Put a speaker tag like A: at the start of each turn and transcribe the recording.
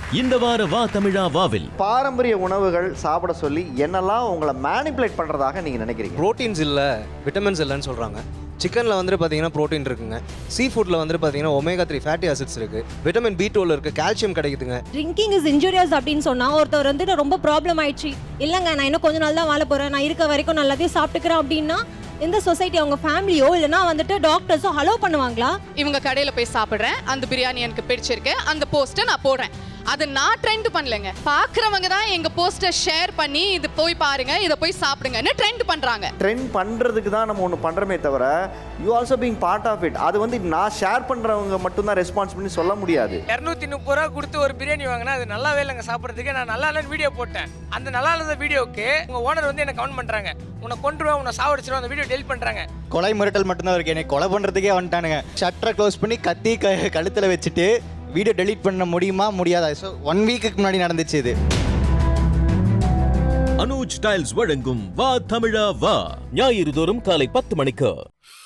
A: இந்த வார வா தமிழா வாவில்
B: பாரம்பரிய உணவுகள் சாப்பிட சொல்லி என்னெல்லாம் உங்களை மேனிப்புலேட் பண்ணுறதாக நீங்கள் நினைக்கிறீங்க?
C: ப்ரோட்டீன்ஸ் இல்லை, விட்டமின்ஸ் இல்லைன்னு சொல்கிறாங்க. சிக்கனில் வந்துட்டு பார்த்தீங்கன்னா ப்ரோட்டீன் இருக்குங்க. சீ ஃபுட்டில் வந்துட்டு பார்த்தீங்கன்னா ஒமேகா 3 ஃபேட்டி ஆசிட்ஸ் இருக்குது, விட்டமின் B12 இருக்குது, கால்சியம் கிடைக்குதுங்க.
D: ட்ரிங்கிங் இஸ் இன்ஜூரியஸ் அப்படின்னு சொன்னால் ஒருத்தர் வந்துட்டு ரொம்ப ப்ராப்ளம் ஆயிடுச்சு, இல்லைங்க நான் இன்னும் கொஞ்ச நாள் தான் வாழ போகிறேன், நான் இருக்க வரைக்கும் நான் எல்லாத்தையும் சாப்பிட்டுக்கிறேன் அப்படின்னா இந்த சொசைட்டி அவங்க ஃபேமிலியோ இல்லைனா வந்துட்டு டாக்டர்ஸோ அலோ பண்ணுவாங்களா?
E: இவங்க கடையில் போய் சாப்பிட்றேன், அந்த பிரியாணி எனக்கு பிடிச்சிருக்கு, அந்த போஸ்ட்டை நான் போடுறேன். அது நான் ட்ரெண்ட் பண்ணலைங்க, பார்க்குறவங்க தான் எங்கள் போஸ்ட்டை ஷேர் பண்ணி இது போய் பாருங்க, இதை போய் சாப்பிடுங்கன்னு ட்ரெண்ட் பண்ணுறாங்க.
B: ட்ரெண்ட் பண்ணுறதுக்கு தான் நம்ம ஒன்று பண்ணுறமே தவிர you also being part of it. அது வந்து நான் ஷேர் பண்ணுறவங்க மட்டும்தான் ரெஸ்பான்சிபிலிட்டி சொல்ல முடியாது.
F: 230 ரூபா கொடுத்து ஒரு பிரியாணி வாங்கினா அது நல்லாவே இல்லைங்க சாப்பிட்றதுக்கு. நான் நல்லா இல்லைன்னு வீடியோ போட்டேன். அந்த நல்லா இல்லாத வீடியோக்கு உங்கள் ஓனர் வந்து என்ன கமெண்ட் பண்ணுறாங்க, உன்னை கொண்டுருவேன், உன்னை சாவடிச்சிருவேன், அந்த வீடியோ டெலிட் பண்ணுறாங்க.
G: கொலை மிரட்டல் மட்டும்தான் இருக்கு, என்னை கொலை பண்ணுறதுக்கே வந்துட்டானுங்க. ஷட்டரை க்ளோஸ் பண்ணி கத்தி கழுத்தில் வச்சுட்டு வீடியோ டெலீட் பண்ண முடியுமா முடியாதா? ஸோ 1 வீக்குக்கு முன்னாடி நடந்துச்சு இது.
A: அனுஜ் டைல்ஸ் வழங்கும் வா தமிழா வா ஞாயிறு தோறும் காலை 10 மணிக்கு.